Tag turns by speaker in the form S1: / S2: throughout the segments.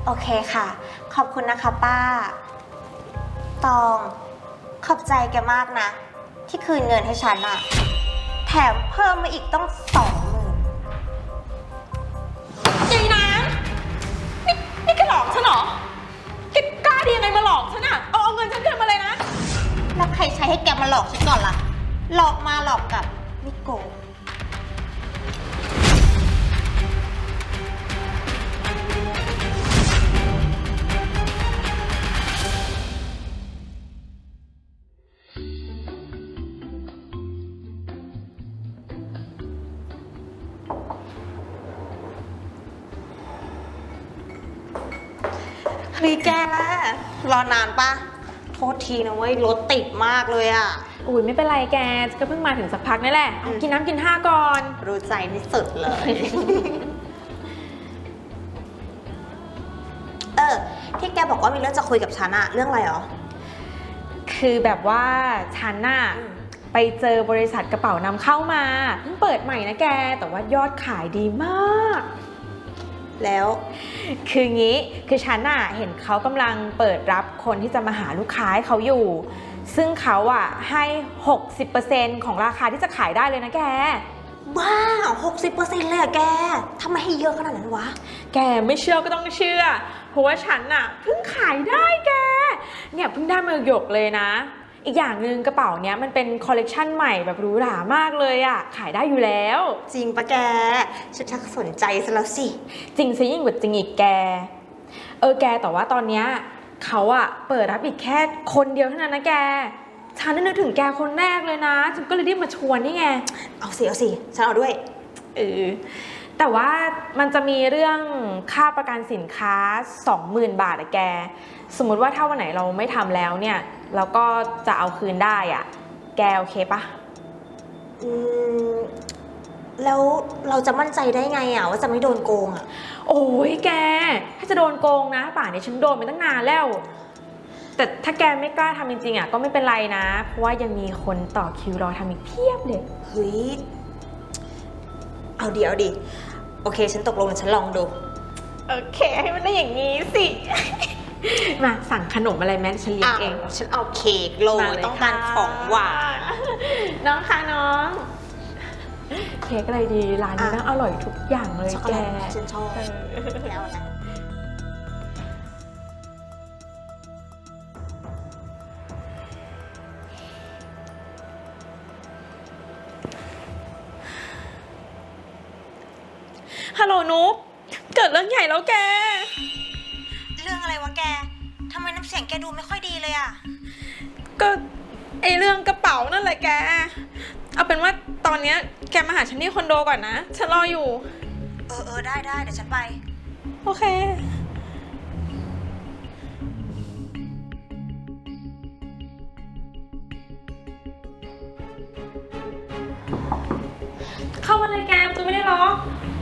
S1: โอเคค่ะ ขอบคุณนะคะป้า ตอง ขอบใจแกมากนะ ที่คืนเงินให้ฉันอะแถมเพิ่มมาอีกต้อง20,000
S2: ยายน้ำนี่แกหลอกฉันเหรอแกกล้าดียังไงมาหลอกฉันอะเอาเงินฉันคืนมาเลยนะ
S1: แล้วใครใช้ให้แกมาหลอกฉันก่อนล่ะ หลอกมาหลอกกลับไม่โกงเฮ้ยแกรอนานปะโทษทีนะเว้ยรถติดมากเลยอะ
S2: อุ้ยไม่เป็นไรแกก็เพิ่งมาถึงสักพักนี่แหละเอากินน้ำกินท่าก่อน
S1: รู้ใจที่สุดเลย ที่แกบอกว่ามีเรื่องจะคุยกับฉันอะเรื่องอะไรหรอ
S2: คือแบบว่าฉันน่ะไปเจอบริษัทกระเป๋านำเข้ามาเพิ่งเปิดใหม่นะแกแต่ว่ายอดขายดีมาก
S1: แล้ว
S2: คืองี้คือฉันน่ะเห็นเขากำลังเปิดรับคนที่จะมาหาลูกค้าให้เขาอยู่ซึ่งเขาอะให้ 60% ของราคาที่จะขายได้เลยนะแก
S1: บ้า 60% เลยอะแกทำไมให้เยอะขนาดนั้นวะ
S2: แกไม่เชื่อก็ต้องเชื่อเพราะว่าฉันน่ะเพิ่งขายได้แกเนี่ยเพิ่งได้มาหยกเลยนะอีกอย่างหนึ่งกระเป๋าเนี้ยมันเป็นคอลเลกชันใหม่แบบหรูหรามากเลยอะขายได้อยู่แล้ว
S1: จริงปะแกฉันชักสนใจซะแล้วสิ
S2: จริงซิยิ่งกว่าจริงอีกแกแกแต่ว่าตอนเนี้ยเขาอะเปิดรับอีกแค่คนเดียวเท่านั้นนะแกฉันนึกถึงแกคนแรกเลยนะฉันก็เลยรีบมาชวนนี่ไง
S1: เอาสิฉันเอาด้วย
S2: แต่ว่ามันจะมีเรื่องค่าประกันสินค้า 20,000 บาทอะแกสมมุติว่าถ้าวันไหนเราไม่ทำแล้วเนี่ยเราก็จะเอาคืนได้อะแกโอเคปะ
S1: แล้วเราจะมั่นใจได้ไงอะว่าจะไม่โดนโกงอะ
S2: โอ้ยแกถ้าจะโดนโกงนะป่านนี้ฉันโดนไปตั้งนานแล้วแต่ถ้าแกไม่กล้าทำจริงๆอะก็ไม่เป็นไรนะเพราะว่ายังมีคนต่อคิวรอทำอีกเพียบเลย
S1: เฮ้ยเอาดิโอเคฉันตกลงฉันลองดู
S2: โอเคให้มันได้อย่างนี้สิมาสั่งขนมอะไรแม่ฉันเลี้ยงเอง
S1: ฉันเอาเค้กโรยต้องการของหวาน
S2: น้องคะน้องเค้กอะไรดีร้านนี้น่าอร่อยทุกอย่างเลยแก
S1: ฉันชอบแล้วนะ
S2: ฮัลโหลนุ๊กเกิดเรื่องใหญ่แล้วแก
S1: เรื่องอะไรวะแกทำไมน้ำเสียงแกดูไม่ค่อยดีเลยอะ
S2: ก็เรื่องกระเป๋านั่นแหละแกเอาเป็นว่าตอนนี้แกมาหาฉันที่คอนโดก่อนนะฉันรออยู่
S1: ได้เดี๋ยวฉันไป
S2: โอเคเข้ามาเลยแกประตูไม่ได้ล็อก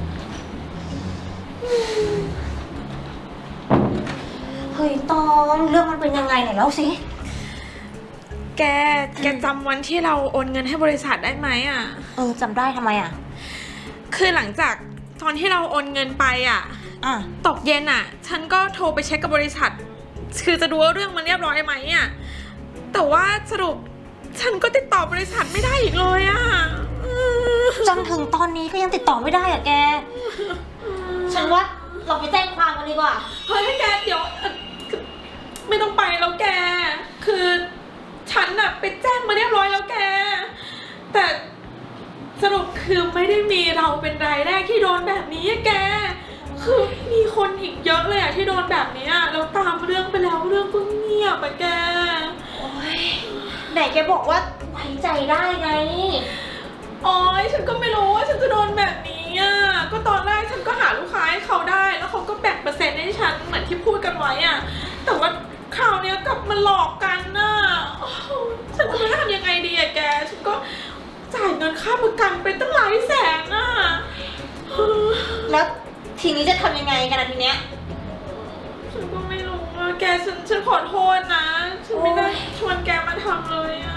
S1: เฮ้ยตองเรื่องมันเป็นยังไงไหนเล่าสิ
S2: แกจำวันที่เราโอนเงินให้บริษัทได้ไหมอ่ะ
S1: จำได้ทำไมอ่ะ
S2: คือหลังจากตอนที่เราโอนเงินไปอ่ะตกเย็นอ่ะฉันก็โทรไปเช็คกับบริษัทคือจะดูว่าเรื่องมันเรียบร้อยไหมอ่ะแต่ว่าสรุปฉันก็ติดต่อบริษัทไม่ได้อีกเลยอ่ะ
S1: จนถึงตอนนี้ก็ยังติดต่อไม่ได้อ่ะแกฉันว่าเราไปแจ้งความกันดีกว่า
S2: เฮ้ยแกเดี๋ยวไม่ต้องไปแล้วแกคือฉันน่ะไปแจ้งมาเรียบร้อยแล้วแกแต่สรุปคือไม่ได้มีเราเป็นรายแรกที่โดนแบบนี้แกคือมีคนอีกเยอะเลยอะที่โดนแบบนี้แล้วตามเรื่องไปแล้วเรื่องก็เงียบอะแก
S1: โอ๊ยไหนแกบอกว่าไว้ใจได้ไง
S2: อ๋อฉันก็ไม่รู้ว่าฉันจะโดนแบบนี้อ่ะก็ตอนแรกฉันก็หาลูกค้าให้เขาได้แล้วเขาก็แบ่งเปอร์เซ็นต์ให้ฉันเหมือนที่พูดกันไว้อ่ะแต่ว่าคราวนี้กลับมาหลอกกันน่ะฉันจะไม่รู้ทำยังไงดีอะแกฉันก็จ่ายเงินค่าประกันไปตั้งหลายแสนอ่ะ
S1: แล้วทีนี้จะทำยังไงกันทีเนี้ย
S2: ฉันก็ไม่รู้อ่ะแกฉันขอโทษนะฉันไม่ได้ชวนแกมาทำเลยอ่ะ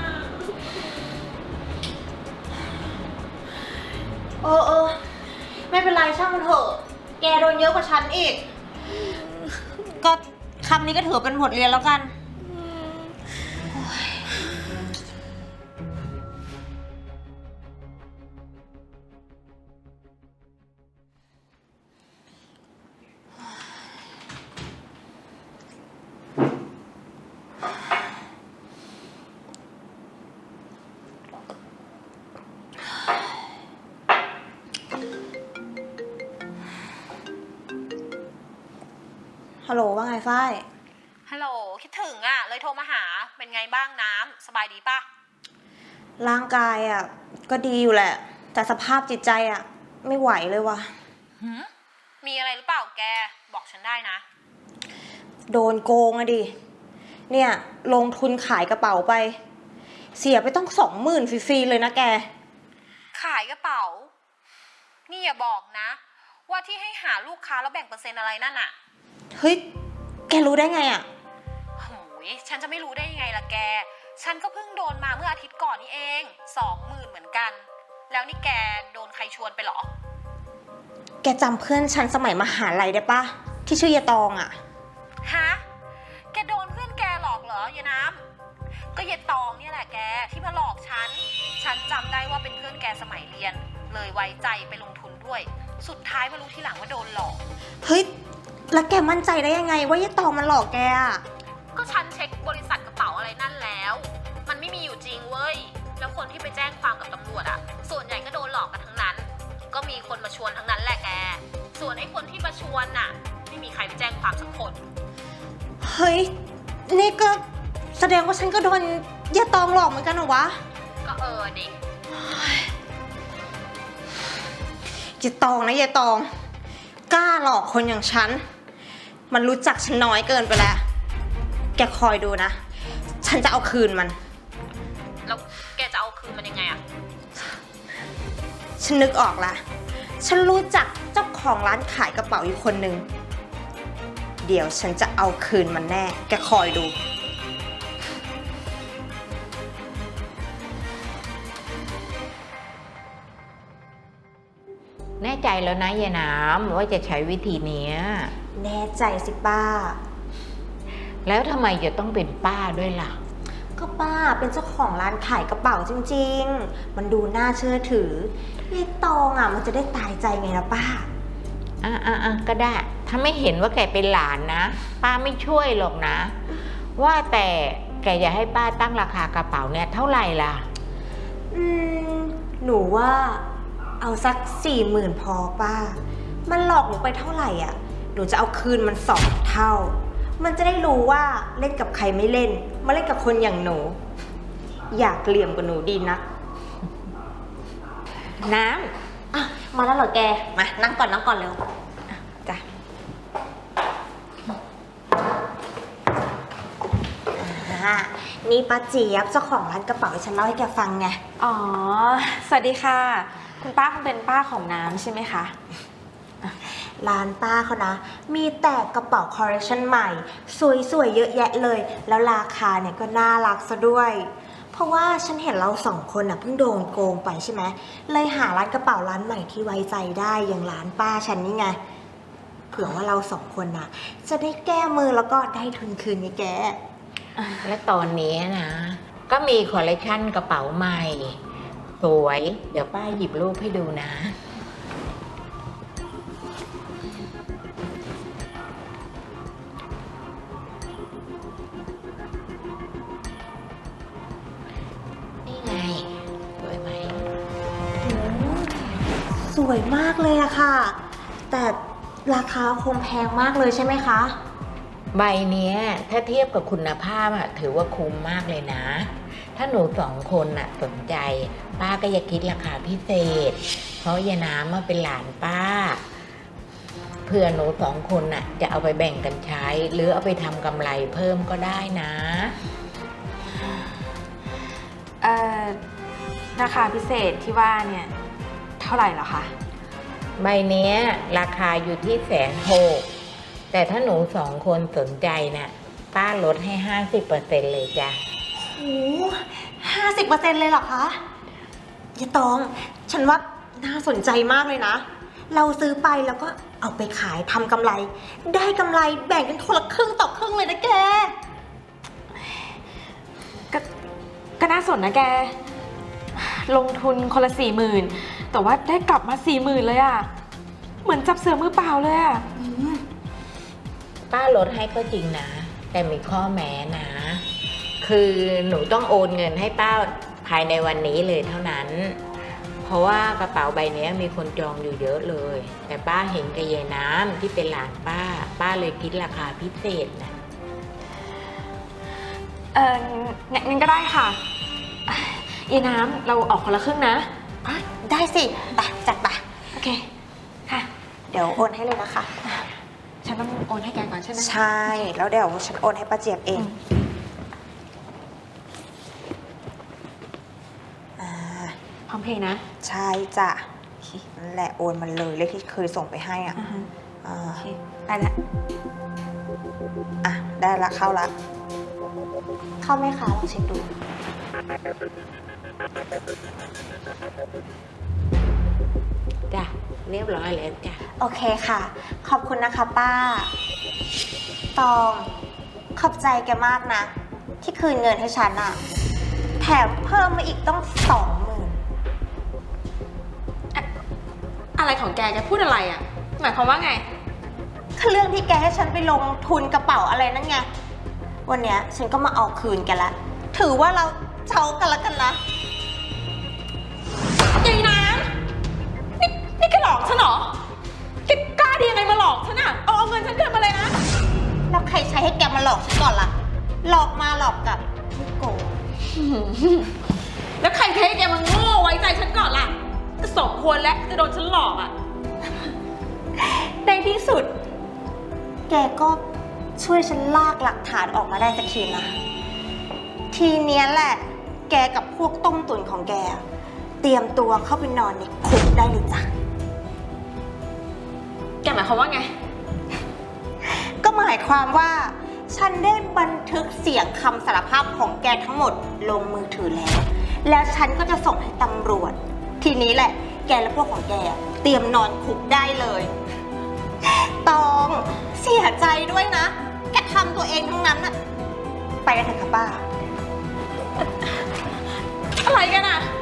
S1: ไม่เป็นไรช่างมันเถอะแกโดนเยอะกว่าฉันอีกก็คำนี้ก็ถือเป็นบทเรียนแล้วกัน ฮัลโหลว่าไงฝ้าย
S3: ฮัลโหลคิดถึงอ่ะเลยโทรมาหาเป็นไงบ้างน้ำสบายดีปะ
S1: ร่างกายอ่ะก็ดีอยู่แหละ แต่สภาพจิตใจอ่ะไม่ไหวเลยว่ะ
S3: มีอะไรหรือเปล่าแกบอกฉันได้นะ
S1: โดนโกงอะดิ เนี่ยลงทุนขายกระเป๋าไป เสียไปต้อง20,000ฟรีๆเลยนะแก
S3: ขายกระเป๋า นี่อย่าบอกนะ ว่าที่ให้หาลูกค้าแล้วแบ่งเปอร์เซ็นต์อะไรนั่นอะ
S1: เฮ้ย แกรู้ได้ไงอ่ะ
S3: โหยฉันจะไม่รู้ได้ยังไงล่ะแก ฉันก็เพิ่งโดนมาเมื่ออาทิตย์ก่อนนี่เอง20,000เหมือนกัน แล้วนี่แกโดนใครชวนไปเหรอ
S1: แกจำเพื่อนฉันสมัยมหาลัยได้ปะที่ชื่อยายตองอ่ะ
S3: ฮะ แกโดนเพื่อนแกหลอกเหรอยายน้ำก็ยายตองเนี่ยแหละแกที่มาหลอกฉันจำได้ว่าเป็นเพื่อนแกสมัยเรียน เลยไว้ใจไปลงทุนด้วย สุดท้ายมารู้ทีหลังว่าโดนหลอก
S1: เฮ้ย แล้วแกมั่นใจได้ยังไงว่ายายตองมันหลอกแกอ่ะ
S3: ก็ฉันเช็คบริษัทกระเป๋าอะไรนั่นแล้ว มันไม่มีอยู่จริงเว้ย แล้วคนที่ไปแจ้งความกับตำรวจอะส่วนใหญ่ก็โดนหลอกกันทั้งนั้น ก็มีคนมาชวนทั้งนั้นแหละแก ส่วนไอ้คนที่มาชวนน่ะ ไม่มีใครไปแจ้งความสักคน
S1: เฮ้ย นี่ก็แสดงว่าฉันก็โดนยายตองหลอกเหมือนกันเหรอวะ
S3: ก็ดิ
S1: ยายตองนะยายตอง กล้าหลอกคนอย่างฉัน มันรู้จักฉันน้อยเกินไปแล้ว แกคอยดูนะ ฉันจะเอาคืนมัน
S3: แล้วแกจะเอาคืนมันยังไงอะ
S1: ฉันนึกออกละ ฉันรู้จักเจ้าของร้านขายกระเป๋าอยู่คนหนึ่ง เดี๋ยวฉันจะเอาคืนมันแน่ แกคอยดู
S4: แน่ใจแล้วนะยายน้ำว่าจะใช้วิธีเนี้ย
S1: แน่ใจสิป้า
S4: แล้วทำไมจะต้องเป็นป้าด้วยล่ะ
S1: ก็ป้าเป็นเจ้าของร้านขายกระเป๋าจริงๆ มันดูน่าเชื่อถือยายตองอ่ะมันจะได้ตายใจไงล่ะป้า
S4: ก็ได้ ถ้าไม่เห็นว่าแกเป็นหลานนะ ป้าไม่ช่วยหรอกนะ ว่าแต่แกจะให้ป้าตั้งราคากระเป๋าเนี่ยเท่าไหร่ล่ะ
S1: หนูว่าเอาสัก40,000พอป้า มันหลอกหนูไปเท่าไหร่อ่ะ หนูจะเอาคืนมัน2 เท่า มันจะได้รู้ว่าเล่นกับใครไม่เล่น มาเล่นกับคนอย่างหนู อยากเหลี่ยมกับหนูดีนะน้ำอ่ะมาแล้วเหรอแก มานั่งก่อนเร็วอ่ะจ้ะนี่ป้าเจี๊ยบเจ้าของร้านกระเป๋าฉันเล่าให้แกฟังไง
S5: อ๋อ สวัสดีค่ะ คุณป้าคงเป็นป้าของน้ำใช่ไหมคะ
S1: ร้านป้าเขานะ มีแต่กระเป๋าคอลเลคชันใหม่ สวยๆเยอะแยะเลย แล้วราคาเนี่ยก็น่ารักซะด้วย เพราะว่าฉันเห็นเรา2 คนน่ะเพิ่งโดนโกงไปใช่ไหม เลยหาร้านกระเป๋าร้านใหม่ที่ไว้ใจได้อย่างร้านป้าฉันนี่ไง เผื่อว่าเรา2 คนน่ะ จะได้แก้มือแล้วก็ได้ทุนคืนไงแก
S4: และตอนนี้นะ ก็มีคอลเลคชันกระเป๋าใหม่ สวย เดี๋ยวป้าหยิบรูปให้ดูนะ นี่ไง สวยไหม
S1: สวยมากเลยอะค่ะ แต่ราคาคงแพงมากเลยใช่ไหมคะ
S4: ใบเนี้ยถ้าเทียบกับคุณภาพอะถือว่าคุ้มมากเลยนะ ถ้าหนู2 คนน่ะสนใจป้าก็จะคิดราคาพิเศษ เพราะยายน้ำมาเป็นหลานป้าเพื่อหนู2 คนน่ะจะเอาไปแบ่งกันใช้ หรือเอาไปทำกำไรเพิ่มก็ได้นะ
S5: ราคาพิเศษที่ว่าเนี่ยเท่าไหร่เหรอคะ
S4: ใบเนี้ยราคาอยู่ที่160,000แต่ถ้าหนู2 คนสนใจน่ะป้าลดให้ 50% เลยจ้ะ
S1: โอ้50%เลยเหรอคะยายตอง ฉันว่าน่าสนใจมากเลยนะ เราซื้อไปแล้วก็เอาไปขายทำกำไร ได้กำไรแบ่งกันคนละครึ่งต่อครึ่งเลยนะแก
S5: ก็น่าสนนะแก ลงทุนคนละ40,000แต่ว่าได้กลับมา40,000เลยอะเหมือนจับเสือมือเปล่าเลยอะ
S4: ป้าลดให้ก็จริงนะ แต่มีข้อแม้นะ คือหนูต้องโอนเงินให้ป้าภายในวันนี้เลยเท่านั้น เพราะว่ากระเป๋าใบนี้มีคนจองอยู่เยอะเลย แต่ป้าเห็นกับยายน้ำที่เป็นหลานป้าเลยคิดราคาพิเศษนะ
S5: งั้นก็ได้ค่ะยายน้ำเราออกคนละครึ่งนะ
S1: ได้สิไปจัดไป
S5: โอเค ค่ะ
S1: เดี๋ยวโอนให้เลยนะคะ
S5: ฉันต้องโอนให้แกก่อนใช่ไหม
S1: ใช่ แล้วเดี๋ยวฉันโอนให้ป้าเจี๊ยบเองอ่า
S5: พร้อมเพย์นะ
S1: ใช่จ้ะนั่นแหละโอนมันเลยเลขที่เคยส่งไปให้อ่ะ
S5: อ่าฮะ
S1: อ่า
S5: โอเคได้ละ
S1: อ่ะ ได้ละเข้าละ เข้าไหมคะลองเช็คดู
S4: จ้ะเรียบร้อยแล้วจ้ะ
S1: โอเคค่ะ ขอบคุณนะคะป้า ตอง ขอบใจแกมากนะ ที่คืนเงินให้ฉันอะแถมเพิ่มมาอีกต้อง20,000
S5: อะไรของแกพูดอะไรอะหมายความว่าไง
S1: คือเรื่องที่แกให้ฉันไปลงทุนกระเป๋าอะไรนั่นไง วันเนี้ยฉันก็มาเอาคืนแกละ ถือว่าเราเจ้ากันละกันนะ
S5: ยายน้ำนี่แกหลอกฉันเหรอแกกล้าดียังไงมาหลอกฉันอะเอาเงินฉันคืนมาเลยนะ
S1: แล้วใครใช้ให้แกมาหลอกฉันก่อนล่ะ หลอกมาหลอกกลับไม่โกง
S5: แล้วใครเทแกมันโง่ไว้ใจฉันก่อนล่ะก็สมควรแล้วจะโดนฉันหลอกอะ
S1: ในที่สุด แกก็ช่วยฉันลากหลักฐานออกมาได้สักทีนะ ทีเนี้ยแหละ แกกับพวกต้มตุ๋นของแก เตรียมตัวเข้าไปนอนในคุกได้เลยจ้ะ
S5: แกหมายความว่าไง
S1: ก็หมายความว่า ฉันได้บันทึกเสียงคำสารภาพของแกทั้งหมดลงมือถือแล้ว แล้วฉันก็จะส่งให้ตำรวจ ทีนี้แหละ แกและพวกของแกเตรียมนอนคุกได้เลย ตองเสียใจด้วยนะ แกทำตัวเองทั้งนั้นน่ะ ไปกันเถอะค่ะป้า
S5: อะไรกันอะ